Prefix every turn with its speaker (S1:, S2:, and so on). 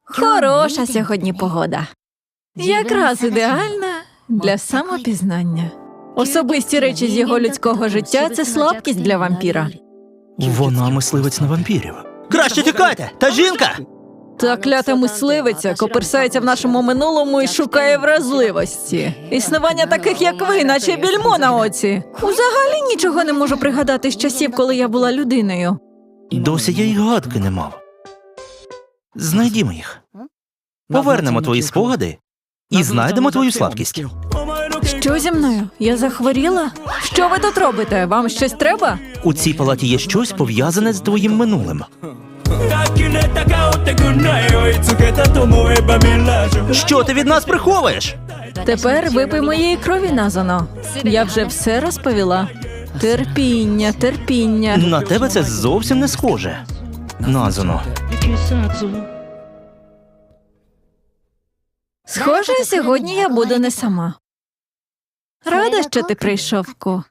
S1: Хороша сьогодні погода. Якраз ідеальна для самопізнання. Особисті речі з його людського життя – це слабкість для вампіра.
S2: Вона мисливець на вампірів. Краще тікайте! Та жінка!
S1: Та клята мисливиця коперсається в нашому минулому і шукає вразливості. Існування таких, як ви, наче більмо на оці. Взагалі нічого не можу пригадати з часів, коли я була людиною.
S2: Досі я й гадки не мав. Знайдімо їх. Повернемо твої спогади і знайдемо твою слабкість.
S1: Що зі мною? Я захворіла? Що ви тут робите? Вам щось треба?
S2: У цій палаті є щось пов'язане з твоїм минулим. Що ти від нас приховуєш?
S1: Тепер випий моєї крові, Назано. Я вже все розповіла. Терпіння, терпіння.
S2: На тебе це зовсім не схоже. Назано.
S1: Схоже, сьогодні я буду не сама. Рада, що ти прийшов, Ко.